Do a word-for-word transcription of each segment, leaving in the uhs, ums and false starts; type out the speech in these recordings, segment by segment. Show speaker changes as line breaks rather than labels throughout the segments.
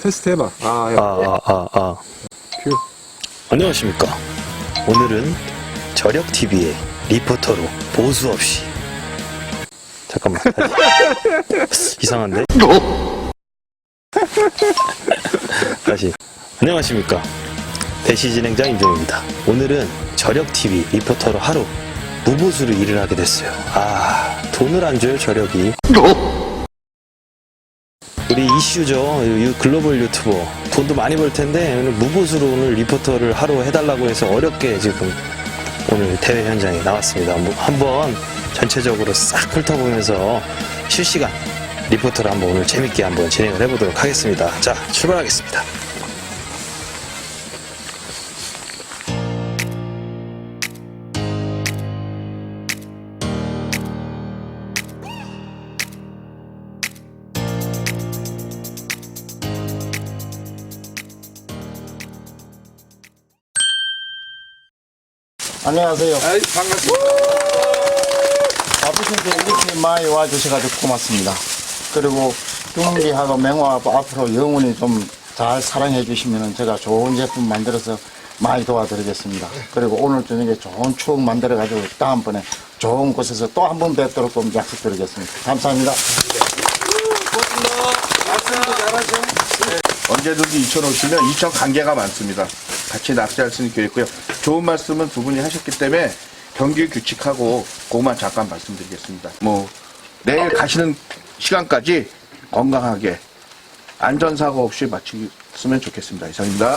테스트 해봐. 아, 야.
아, 아, 아, 아.
큐.
안녕하십니까. 오늘은 저력티비의 리포터로 보수 없이. 잠깐만. 다시. 이상한데? 다시. 안녕하십니까. 대시 진행자 임종입니다. 오늘은 저력티비 리포터로 하루 무보수로 일을 하게 됐어요. 아, 돈을 안 줘요, 저력이. 우리 이슈죠. 유, 글로벌 유튜버. 돈도 많이 벌 텐데, 오늘 무보수로 오늘 리포터를 하루 해달라고 해서 어렵게 지금 오늘 대회 현장에 나왔습니다. 뭐 한번 전체적으로 싹 훑어보면서 실시간 리포터를 한번 오늘 재밌게 한번 진행을 해보도록 하겠습니다. 자, 출발하겠습니다.
안녕하세요.
아이, 반갑습니다.
바쁘신데 이렇게 많이 와주셔가지고 고맙습니다. 그리고 둥기하고 맹화하고 앞으로 영원히 좀 잘 사랑해 주시면 제가 좋은 제품 만들어서 많이 도와드리겠습니다. 그리고 오늘 저녁에 좋은 추억 만들어가지고 다음번에 좋은 곳에서 또 한 번 뵙도록 좀 약속드리겠습니다. 감사합니다.
고맙습니다. 말씀도 잘하죠. 네.
언제든지 이천 오시면 이천 관계가 많습니다. 같이 낚시할 수 있게 있고요. 좋은 말씀은 두 분이 하셨기 때문에 경기 규칙하고 그것만 잠깐 말씀드리겠습니다. 뭐 내일 가시는 시간까지 건강하게 안전사고 없이 마치셨으면 좋겠습니다. 이상입니다.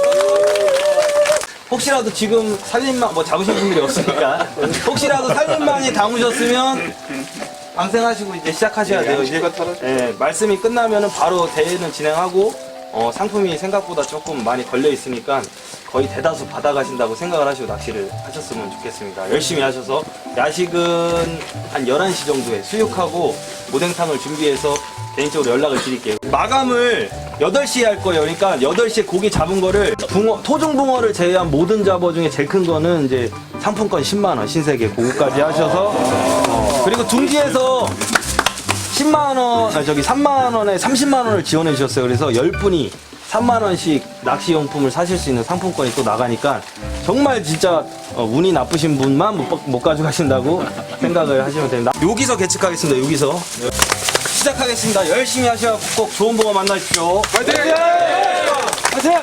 혹시라도 지금 살림망 뭐 잡으신 분들이 없으니까 혹시라도 살림망에 담으셨으면 방생하시고 이제 시작하셔야 돼요. 이제 예, 말씀이 끝나면은 바로 대회는 진행하고 어, 상품이 생각보다 조금 많이 걸려 있으니까 거의 대다수 받아가신다고 생각을 하시고 낚시를 하셨으면 좋겠습니다. 열심히 하셔서 야식은 한 열한 시 정도에 수육하고 오뎅탕을 준비해서 개인적으로 연락을 드릴게요. 마감을 여덟 시에 할 거예요. 그러니까 여덟 시에 고기 잡은 거를 붕어, 토종붕어를 제외한 모든 잡어 중에 제일 큰 거는 이제 상품권 십만 원 신세계 그거까지 하셔서 어, 그리고 둥지에서 십만 원, 아, 저기 삼만 원에 삼십만 원을 지원해 주셨어요. 그래서 열 분이 삼만 원씩 낚시용품을 사실 수 있는 상품권이 또 나가니까 정말 진짜 어, 운이 나쁘신 분만 못, 못 가져가신다고 생각을 하시면 됩니다. 여기서 개측하겠습니다. 여기서. 시작하겠습니다. 열심히 하셔서 꼭 좋은 붕어 만나십시오.
화이팅!
화이팅!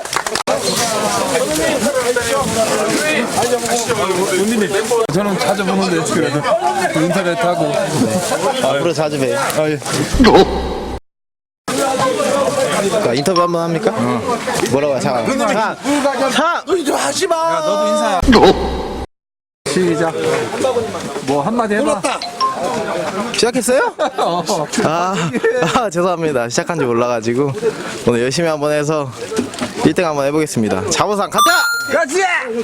본인님, 저는 자주 보는데 그래도 인터넷하고
앞으로 자주 봬요.
아, 예.
그러니까 인터뷰 한번 합니까? 뭐라고 해? 자, 자, 자, 좀 하지 마.
야, 너도 인사야. 시작. 뭐 한마디 해봐.
시작했어요? 아, 아, 죄송합니다. 시작한 지 몰라가지고 오늘 열심히 한번 해서 일 등 한번 해보겠습니다. 자보상 갔다!
같이!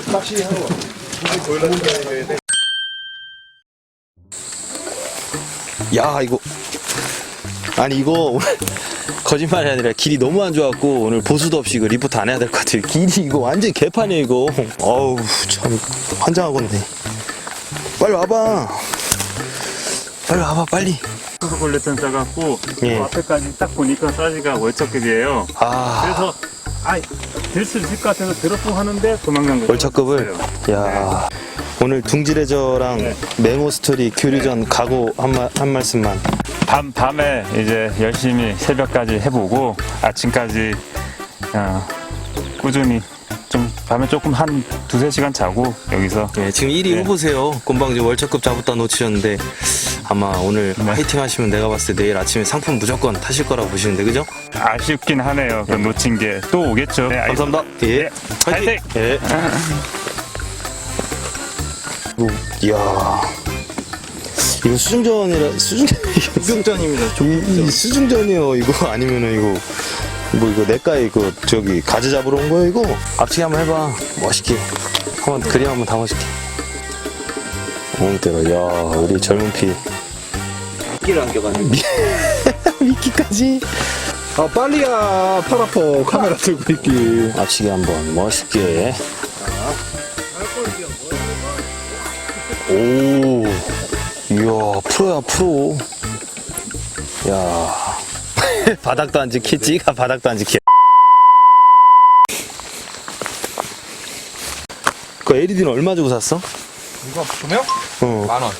야, 이거 아니 이거 오늘 거짓말이 아니라 길이 너무 안 좋았고 오늘 보수도 없이 이거 리포트 안 해야 될 것 같아요. 길이 이거 완전 개판이에요 이거. 어우 참 환장하겠네. 빨리 와봐. 빨리 와봐 빨리.
콜레톤 싸갖고
예.
그 앞에까지 딱 보니까 사이즈가 월척급이에요.
아,
그래서 아, 될 수 있을 것 같아서 들었고 하는데 도망간 거예요.
월척급을. 야, 오늘 둥지레저랑
네.
메모 스토리 교류전 각오 한, 마, 한 말씀만.
밤 밤에 이제 열심히 새벽까지 해보고 아침까지 어, 꾸준히 좀 밤에 조금 한 두세 시간 자고 여기서
예, 지금 일 위
네.
후보세요. 곰방지 월척급 잡았다 놓치셨는데 아마 오늘 화이팅 하시면 내가 봤을 때 내일 아침에 상품 무조건 타실 거라고 보시는데 그죠?
아쉽긴 하네요. 그 놓친 게 또 오겠죠. 네,
감사합니다. 예.
네. 화이팅!
예. 뭐, 이야. 이거 수중전이라, 수중전, 수중전입니다. 이, 이 수중전이요. 이거 아니면은 이거, 뭐 이거 내과에 이거 저기 가지 잡으러 온 거야, 이거? 앞치기 한번 해봐. 멋있게. 한번 그림 한번 담아줄게. 엉때가, 야, 우리 젊은 피.
미끼를 안겨가지고.
미끼까지.
아, 빨리야. 팔 아파. 카메라 들고 있기.
앞치기 한번 멋있게. 오, 이야, 프로야, 프로. 야, 바닥도 안 지키, 찌가 바닥도 안 지키. 그 엘이디는 얼마 주고 샀어?
이거 조명?
어.
만 원.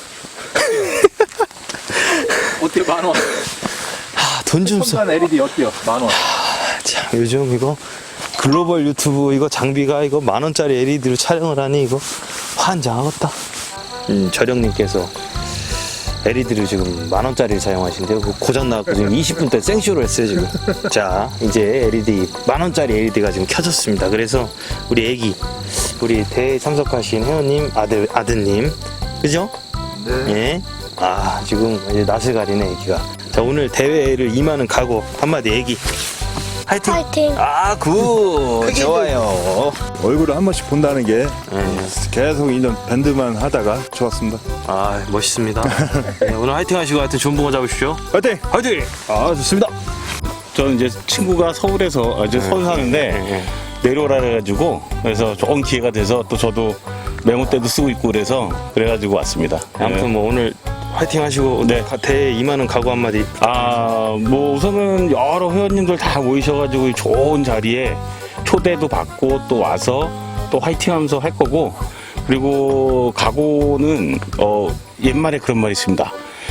어때요? 만 원.
아, 돈 좀 써.
한 엘이디 어때요? 만 원.
참, 요즘 이거 글로벌 유튜브 이거 장비가 이거 만 원짜리 엘이디로 촬영을 하니 이거 환장하겠다. 음, 저령님께서 엘이디를 지금 만 원짜리를 사용하신대요. 그 고장 나고 지금 이십 분 때 생쇼를 했어요 지금. 자, 이제 엘이디 만 원짜리 엘이디가 지금 켜졌습니다. 그래서 우리 애기, 우리 대회 참석하신 회원님 아들 아드님, 그죠? 네. 예. 아, 지금 이제 낯을 가리네 애기가. 자, 오늘 대회를 임하는 각오 한마디 애기. 화이팅!
파이팅.
아, 굿! 좋아요.
얼굴을 한 번씩 본다는 게
네.
계속 이 년 밴드만 하다가 좋았습니다.
아, 멋있습니다. 네, 오늘 화이팅 하시고 하여튼 좋은 붕어 잡으십시오.
화이팅!
화이팅!
아 좋습니다.
저는 이제 친구가 서울에서 아주 서울 사는데
네.
내려오라 해가지고 그래서 좋은 기회가 돼서 또 저도 메모 때도 쓰고 있고 그래서 그래가지고 왔습니다.
아무튼 뭐 오늘 화이팅 하시고
네.
가- 대회 임하는 각오 한마디.
아뭐 우선은 여러 회원님들 다 모이셔가지고 좋은 자리에 초대도 받고 또 와서 또 화이팅하면서 할 거고 그리고 각오는 어 옛말에 그런 말이 있습니다.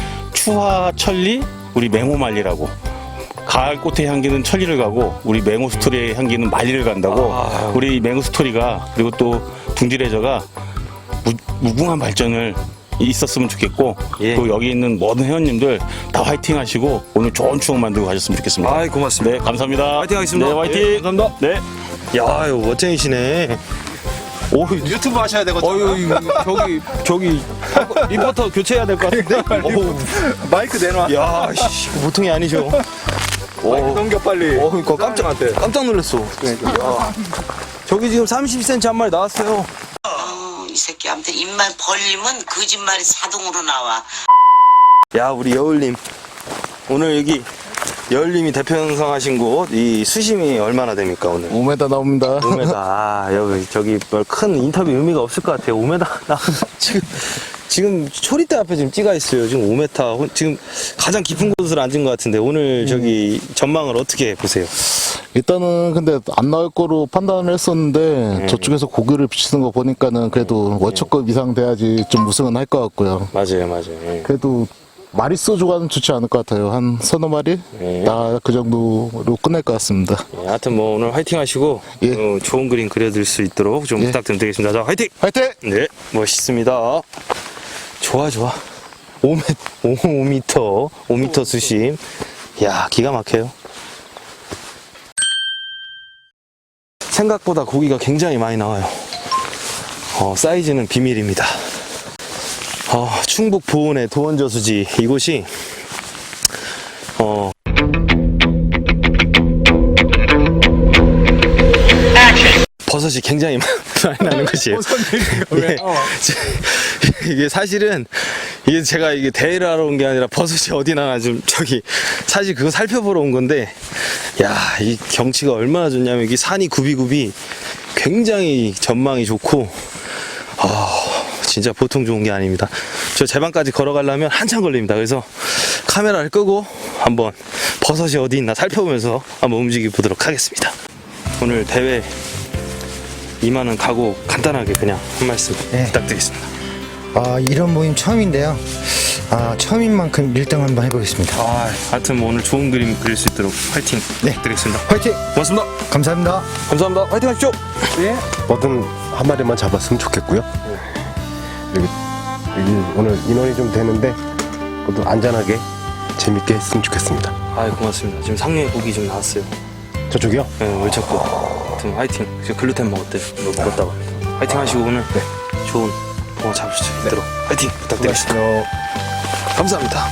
추하천리 우리 맹호만리라고. 가을 꽃의 향기는 천리를 가고 우리 맹호 스토리의 향기는 만리를 간다고
아.
우리 맹호 스토리가 그리고 또 둥지레저가 무, 무궁한 발전을 있었으면 좋겠고
예.
또 여기 있는 모든 회원님들 다 화이팅 하시고 오늘 좋은 추억 만들고 가셨으면 좋겠습니다.
아이, 고맙습니다.
네, 감사합니다.
화이팅 하겠습니다.
네, 화이팅.
예, 감사합니다.
네.
야, 이거 멋쟁이시네. 오,
유튜브 하셔야 되거든요.
어유 이거 저기 저기 리포터 교체해야 될 것 같은데. 어우,
마이크 내놔.
야, 씨, 이거 보통이 아니죠.
마이크 넘겨 빨리.
어, 그러니까 깜짝 깜짝 놀랐어. 아, 저기 지금 삼십 센티미터 한 마리 나왔어요.
어, 이 새끼 아무튼 입만 벌리면 거짓말이 자동으로 나와.
야, 우리 여울님 오늘 여기 여울님이 대표 형성하신 곳 이 수심이 얼마나 됩니까 오늘?
오 미터 나옵니다.
오 미터. 아, 여기 저기 뭘 큰 인터뷰 의미가 없을 것 같아요. 오 미터 나 지금 지금 초리대 앞에 지금 찌가 있어요. 지금 오 미터 지금 가장 깊은 곳으로 앉은 것 같은데 오늘 저기 전망을 어떻게 보세요?
일단은 근데 안 나올 거로 판단을 했었는데 저쪽에서 고기를 비치는 거 보니까는 그래도 월초급 이상 돼야지 좀 우승은 할 것 같고요.
맞아요, 맞아요. 예.
그래도 마리수 조과는 좋지 않을 것 같아요. 한 서너 마리?
네.
나 그 정도로 끝낼 것 같습니다.
예, 하여튼 뭐 오늘 화이팅 하시고
예.
어, 좋은 그림 그려드릴 수 있도록 좀
예.
부탁드리겠습니다. 자, 화이팅!
화이팅!
네, 멋있습니다. 좋아, 좋아. 오 미터, 오 미터, 오 미터 수심. 야, 기가 막혀요. 생각보다 고기가 굉장히 많이 나와요. 어, 사이즈는 비밀입니다. 어, 충북 보은의 도원저수지 이곳이 어, 버섯이 굉장히 많이 나는 곳이에요. 예. 이게 사실은 이게 제가 이게 대회를 하러 온 게 아니라 버섯이 어디 나나 좀 저기 사실 그거 살펴보러 온 건데 야, 이 경치가 얼마나 좋냐면 이게 산이 굽이굽이 굉장히 전망이 좋고 아, 진짜 보통 좋은 게 아닙니다. 저 제방까지 걸어가려면 한참 걸립니다. 그래서 카메라를 끄고 한번 버섯이 어디 있나 살펴보면서 한번 움직여 보도록 하겠습니다. 오늘 대회 임하는 각오 간단하게 그냥 한 말씀
네.
부탁드리겠습니다.
아, 이런 모임 처음인데요. 아, 처음인 만큼 일 등 한번 해보겠습니다.
아, 하여튼 뭐 오늘 좋은 그림 그릴 수 있도록 화이팅
네.
부탁드리겠습니다.
화이팅!
고맙습니다.
감사합니다.
감사합니다. 화이팅 하십시오.
뭐든 한 마리만 잡았으면 좋겠고요. 그리고 이- 오늘 인원이 좀 되는데 모두 안전하게 재밌게 했으면 좋겠습니다.
아, 고맙습니다. 지금 상류에 고기 좀 나왔어요.
저쪽이요?
네, 월척고. 하여튼 화이팅. 지금 글루텐 먹었대요. 뭐 먹었다고. 화이팅 하시고 오늘 좋은 붕어 잡을 수 있도록 화이팅 부탁드리겠습니다. 감사합니다.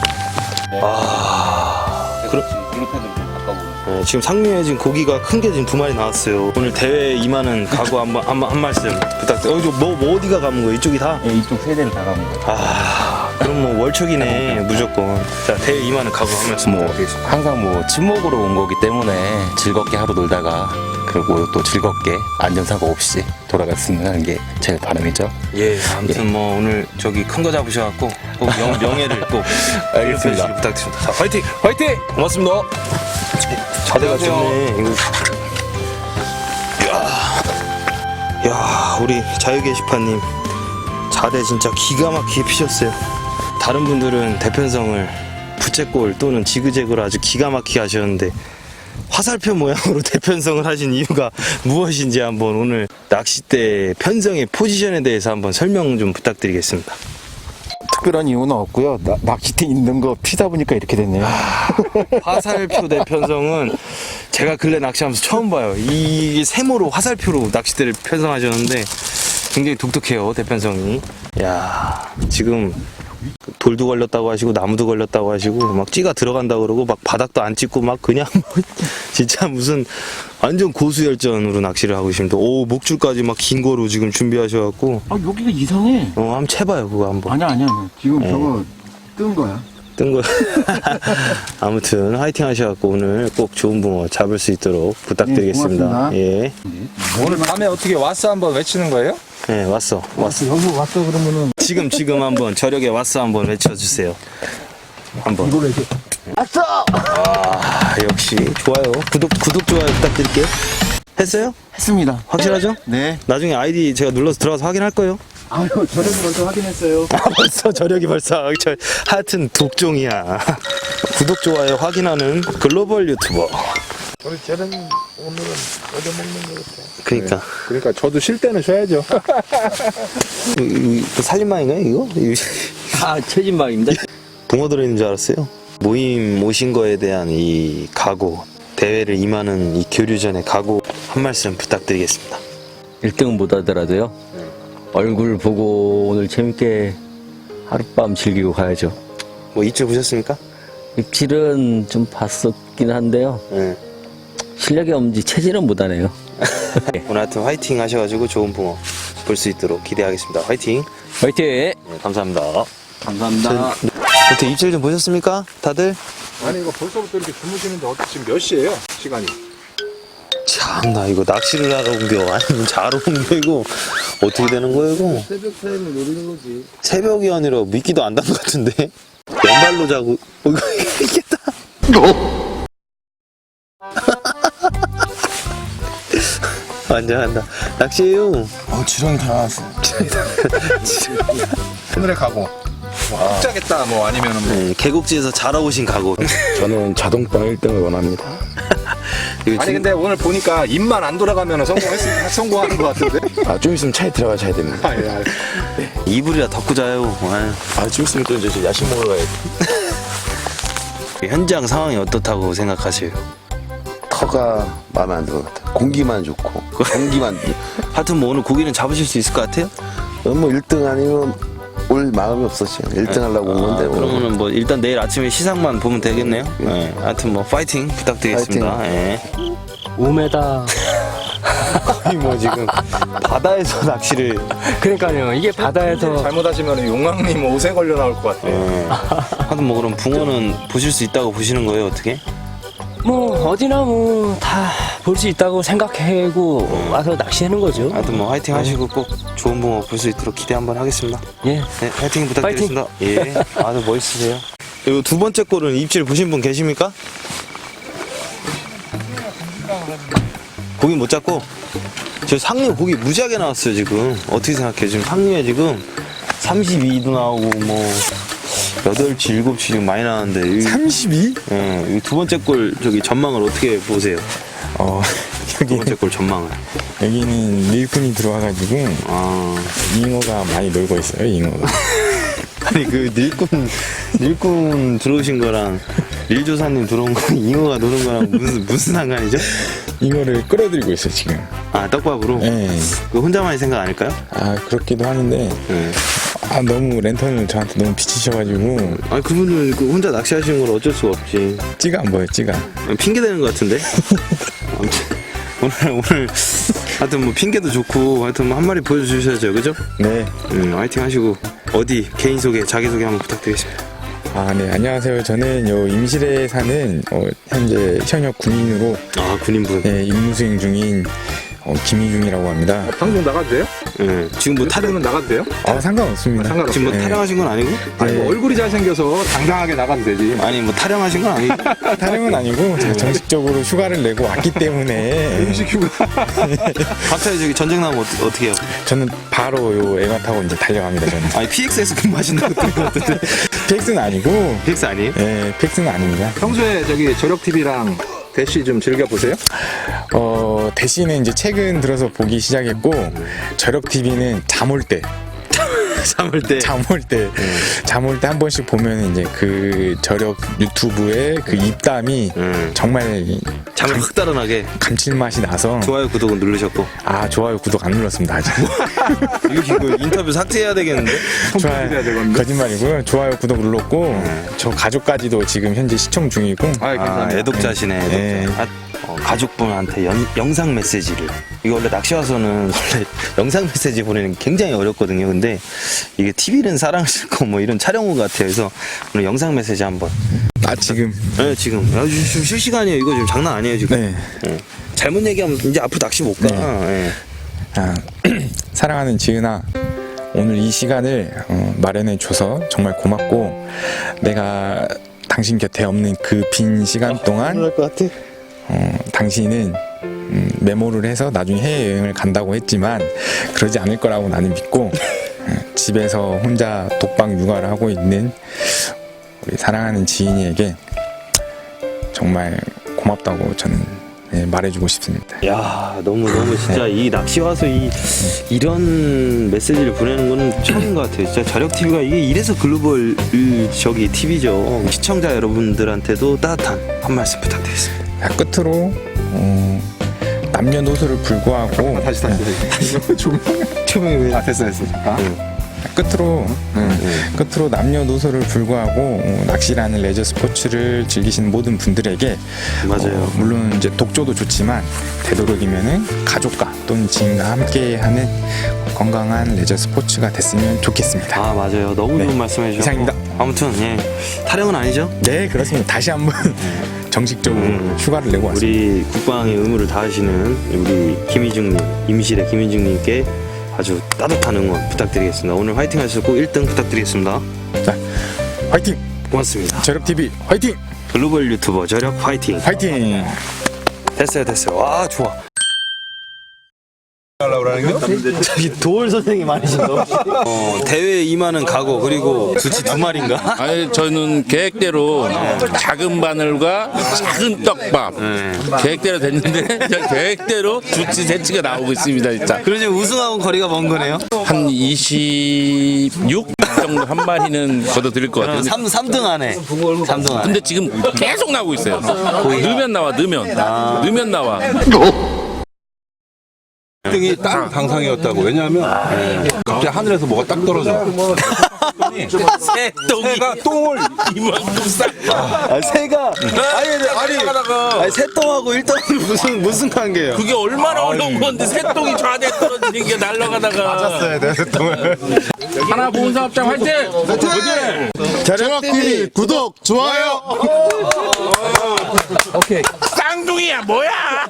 아, 그럼 네, 지금 상류에 지금 고기가 큰 게 지금 두 마리 나왔어요. 오늘 대회 임하는 각오 한번 한, 한 말씀 부탁드려요. 어, 이거 뭐, 뭐 어디가 감은 거예요? 이쪽이 다?
예, 이쪽 세대는 다 가는 거예요.
아, 그럼 뭐 월척이네 무조건. 자, 대회 임하는 각오 한 말씀
뭐
부탁드리겠습니다.
항상 뭐 친목으로 온 거기 때문에 즐겁게 하루 놀다가 그리고 또 즐겁게 안전사고 없이 돌아갔으면 하는 게 제 바람이죠.
예, 아무튼 뭐 오늘 저기 큰 거 잡으셔갖고 꼭 명, 명예를 꼭
알겠습니다.
부탁드립니다. 자, 화이팅! 화이팅! 고맙습니다. 자대가 좋네. 이거. 야, 우리 자유 게시판님 자대 진짜 기가 막히게 피셨어요. 다른 분들은 대편성을 부채꼴 또는 지그재그로 아주 기가 막히게 하셨는데 화살표 모양으로 대편성을 하신 이유가 무엇인지 한번 오늘 낚싯대 편성의 포지션에 대해서 한번 설명 좀 부탁드리겠습니다.
특별한 이유는 없고요. 나- 낚싯대 있는 거 피다 보니까 이렇게 됐네요.
화살표 대편성은 제가 근래 낚시하면서 처음 봐요. 이 세모로 화살표로 낚싯대를 편성하셨는데 굉장히 독특해요, 대편성이. 야, 지금 돌도 걸렸다고 하시고 나무도 걸렸다고 하시고 막 찌가 들어간다고 그러고 막 바닥도 안 찍고 막 그냥 진짜 무슨 완전 고수열전으로 낚시를 하고 계십니다. 오, 목줄까지 막 긴 거로 지금 준비하셔갖고
아, 여기가 이상해.
어, 한번 채봐요, 그거 한번.
아니야, 아니야. 아니야. 지금
네.
저거 뜬 거야.
뜬 거. 아무튼 화이팅 하셔갖고 오늘 꼭 좋은 붕어 잡을 수 있도록 부탁드리겠습니다.
네,
예.
오늘 밤에 어떻게 왔어 한번 외치는 거예요?
네, 왔어. 왔어.
여기 왔어 그러면은
지금 지금 한번 저력에 왔어 한번 외쳐주세요. 한번.
이걸 이렇게
아, 역시 좋아요. 구독 구독 좋아요 부탁드릴게요. 했어요?
했습니다.
확실하죠?
네.
나중에 아이디 제가 눌러서 들어가서 확인할 거예요.
아유, 저녁 먼저 확인했어요.
아, 벌써 저력이 벌써 저, 하여튼 독종이야. 구독 좋아요 확인하는 글로벌 유튜버.
우리 쟤는 오늘은 얻어먹는 거 같아.
그러니까.
그러니까 저도 쉴 때는 쉬어야죠.
이- 이- 이거 살림망인가요 이거? 이거
아, 최진방입니다.
붕어 들어있는 줄 알았어요. 모임 오신 거에 대한 이 각오, 대회를 임하는 이 교류전의 각오 한 말씀 부탁드리겠습니다.
일 등은 못 하더라도요. 얼굴 보고 오늘 재밌게 하룻밤 즐기고 가야죠.
뭐 입질 보셨습니까?
입질은 좀 봤었긴 한데요.
네.
실력이 없는지 체질은 못하네요.
오늘 하여튼 화이팅 하셔가지고 좋은 붕어 볼 수 있도록 기대하겠습니다. 화이팅!
화이팅!
네, 감사합니다.
감사합니다.
어떻게 입질 좀 보셨습니까? 다들?
아니 이거 벌써부터 이렇게 주무시는데 어떻게 지금 몇 시예요? 시간이?
참나 이거 낚시를 하러 온 겨 아니면 자러 온 겨 이거 어떻게 되는 거예요 이거?
새벽 타임을 노리는 거지.
새벽이 아니라 미끼도 안 단 것 같은데? 왼발로 자고 어, 이거 이겠다. 완전 한다. 낚시해요.
어, 지렁이 다 나왔어.
오늘의 각오. 뭐 흑자겠다 뭐 아니면은 뭐.
네, 계곡지에서 자러 오신 각오.
저는 자동빵 일 등을 원합니다.
이거
아니
지금
근데 오늘 보니까 입만 안 돌아가면 성공했 성공하는 것 같은데.
아, 좀 있으면 차에 들어가셔야 됩니다.
아, 예, 알-
이불이라 덮고 자요. 아유.
아, 좀 있으면 또 이제 야식 먹으러 가야지.
현장 상황이 어떻다고 생각하세요?
터가 마음에 안 들어. 공기만 좋고. 공기만.
하여튼 뭐 오늘 고기는 잡으실 수 있을 것 같아요?
뭐 일 등 아니면 올 마음이 없었죠. 일 등 하려고 온 건데.
아,
뭐.
그러면은 뭐 일단 내일 아침에 시상만 보면 되겠네요. 네. 하여튼 뭐 파이팅 부탁드리겠습니다. 예.
오 미터.
거의 뭐 지금 바다에서 낚시를.
그러니까요. 이게 바다에서
잘못하시면 용왕님 옷에 걸려 나올 것 같아요.
예. 하여튼 뭐 그럼 붕어는 보실 수 있다고 보시는 거예요 어떻게?
뭐 어디나 뭐 다 볼 수 있다고 생각하고 와서 낚시하는 거죠.
하여튼 뭐 화이팅 하시고 꼭 좋은 붕어 볼 수 있도록 기대 한번 하겠습니다.
예.
네, 화이팅 부탁드리겠습니다. 예. 아주 멋있으세요. 이거 두 번째 골은 입질 보신 분 계십니까? 고기 못 잡고 저 상류 고기 무지하게 나왔어요 지금. 어떻게 생각해? 지금 상류에 지금 삼십이 도 나오고 뭐 여덟치, 일곱치 지금 많이 나왔는데
삼십이?
예, 이 두 번째 골 저기 전망을 어떻게 보세요?
어,
두 번째 골 전망을.
여기는 일꾼이 들어와가지고
아,
잉어가 많이 놀고 있어요, 잉어가.
아니 그 닐꾼 닐꾼 들어오신 거랑 릴조사님 들어온 거 잉어가 노는 거랑 무슨 무슨 상관이죠?
잉어를 끌어들이고 있어요, 지금.
아 떡밥으로?
네.
그 혼자만의 생각 아닐까요?
아, 그렇기도 하는데,
네.
아, 너무 랜턴을 저한테 너무 비치셔가지고,
아니 그분은 그 혼자 낚시하시는 건 어쩔 수가 없지.
찌가 안 보여요, 찌가.
핑계 대는 것 같은데. 아무튼 오늘 오늘 하여튼 뭐 핑계도 좋고 하여튼 뭐 한 마리 보여주셔야죠, 그죠?
네.
음, 화이팅 하시고 어디 개인 소개, 자기 소개 한번 부탁드리겠습니다.
아, 네, 안녕하세요. 저는 요 임실에 사는, 어, 현재 현역 군인으로,
아 군인분.
네, 임무 수행 중인, 어, 김희중이라고 합니다.
방송 나가도 돼요?
예. 지금 뭐 타령,
타령은 나가도 돼요?
아, 상관없습니다.
상관없어요.
지금 뭐
네.
타령하신 건 아니고?
아니 뭐 얼굴이 잘생겨서 당당하게 나가면 되지.
아니, 뭐 타령하신 건 아니고?
타령은 아니고 제가 정식적으로 휴가를 내고 왔기 때문에
음식 휴가.
갑자기 저기 전쟁 나면 어떻게, 어떻게 해요?
저는 바로 요 애가 타고 이제 달려갑니다. 저는.
아니, 피엑스에서 근무하신다고 들은 것 같은데.
피엑스는 아니고.
피엑스 아니에요?
예, 피엑스는 아닙니다.
평소에 저기 저력티비랑 대시 좀 즐겨 보세요?
어, 대신에 이제 최근 들어서 보기 시작했고, 저력 티비는 잠 올 때.
잠 올 때.
잠 올 때. 잠 올 때 한 번씩 보면 이제 그 저력 유튜브의 그 입담이
음.
정말
잠을 확 달아나게.
감칠맛이 나서.
좋아요, 구독은 누르셨고.
아, 좋아요, 구독 안 눌렀습니다, 아직.
이거, 이거 인터뷰 삭제해야 되겠는데?
좋아요. 거짓말이고요. 좋아요, 구독 눌렀고, 저 가족까지도 지금 현재 시청 중이고.
아, 애독자시네, 애독자.
예.
아, 어, 가족분한테 연- 영상 메시지를. 이거 원래 낚시 와서는 원래 영상 메시지 보내는 게 굉장히 어렵거든요. 근데 이게 티비는 사랑을 싣고 뭐 이런 촬영후 같아요. 그래서 오늘 영상 메시지 한번.
아, 지금?
네, 지금. 아, 지금 실시간이에요. 이거 지금 장난 아니에요, 지금.
네.
어. 잘못 얘기하면 이제 앞으로 낚시 못 가. 네.
아, 사랑하는 지은아, 오늘 이 시간을 어, 마련해줘서 정말 고맙고, 내가 당신 곁에 없는 그 빈 시간 동안 어, 당신은 음, 메모를 해서 나중에 해외여행을 간다고 했지만 그러지 않을 거라고 나는 믿고 어, 집에서 혼자 독방 육아를 하고 있는 우리 사랑하는 지인이에게 정말 고맙다고 저는 네, 말해주고 싶습니다.
야, 너무 너무 진짜 이 낚시 와서 이 이런 메시지를 보내는 거는 처음인 것 같아요. 진짜 저력 티비가 이게 이래서 글로벌 저기 티비죠. 시청자 여러분들한테도 따뜻한 한 말씀 부탁드리겠습니다.
자, 끝으로 어, 남녀노소를 불구하고
다시 다시 다시.
조명이 왜?
아 됐어 됐어. 아?
끝으로 음, 끝으로 남녀노소를 불구하고 어, 낚시라는 레저 스포츠를 즐기시는 모든 분들에게
맞아요.
어, 물론 이제 독조도 좋지만 되도록이면은 가족과 또는 지인과 함께하는 건강한 레저 스포츠가 됐으면 좋겠습니다.
아 맞아요. 너무 좋은 말씀해 주셨고.
이상입니다.
아무튼 예 타령은 아니죠?
네, 그렇습니다. 다시 한번 정식적으로
음.
휴가를 내고 왔습니다.
우리 국방의 의무를 다하시는 우리 김희중님, 임실의 김희중님께 아주 따뜻한 응원 부탁드리겠습니다. 오늘 화이팅 하셨고 일 등 부탁드리겠습니다.
자, 화이팅!
고맙습니다.
저력티비 화이팅!
글로벌 유튜버 저력 화이팅!
화이팅!
됐어요, 됐어요. 와, 좋아. 저기 도울 선생님 아니신가? 어, 대회에 임하는 각오 그리고 두치 두 마리인가?
아니 저는 계획대로 작은 바늘과 작은 떡밥 계획대로 됐는데 계획대로 두치 세치가 나오고 있습니다 진짜.
그럼 지금 우승하고 거리가 먼 거네요?
한 이십육 정도 한 마리는 걷어들일 것 같아요.
삼, 삼 등 안에 삼 등 안에.
근데 지금 계속 나오고 있어요. 넣으면 나와 넣으면 넣으면 나와.
일 등이 딱 당상이었다고. 왜냐하면 갑자기 하늘에서 뭐가 딱 떨어져.
새똥이
새가 똥을
이만큼 싹.
아, 새가 아니 아니 아니 새똥하고 일등은 무슨 무슨 관계예요?
그게 얼마나 어려운 건데 새똥이 좌대 떨어지는 게 날아가다가.
맞았어야 돼, 새똥을.
하나 보은 사업장 화이팅!
저력티비 구독, 좋아요!
오케이. 쌍둥이야 뭐야?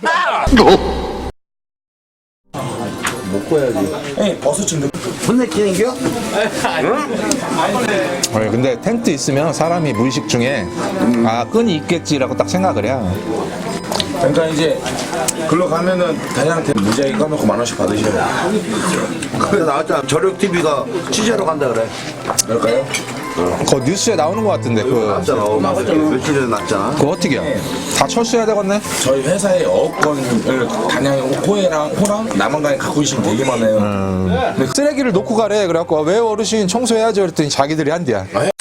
아니, 근데 텐트 있으면 사람이 무의식 중에 아 끈이 있겠지라고 딱 생각을 해요.
그러니까 이제 글로 가면은 다양한테 무지하게 까놓고 만 원씩 받으셔요.
근데 나왔잖아. 저력 티비가 취재로 간다 그래.
그럴까요?
그 뉴스에 나오는 것 같은데 그
맞잖아. 며칠 전에 났잖아.
그거 어떻게 해요? 다 철수해야 되겠네?
저희 회사의 어업권을 단양에 호에랑 호랑 남한강에 갖고 계신 되게 많아요.
쓰레기를 놓고 가래. 그래갖고 왜 어르신 청소해야지 그랬더니 자기들이 한대야.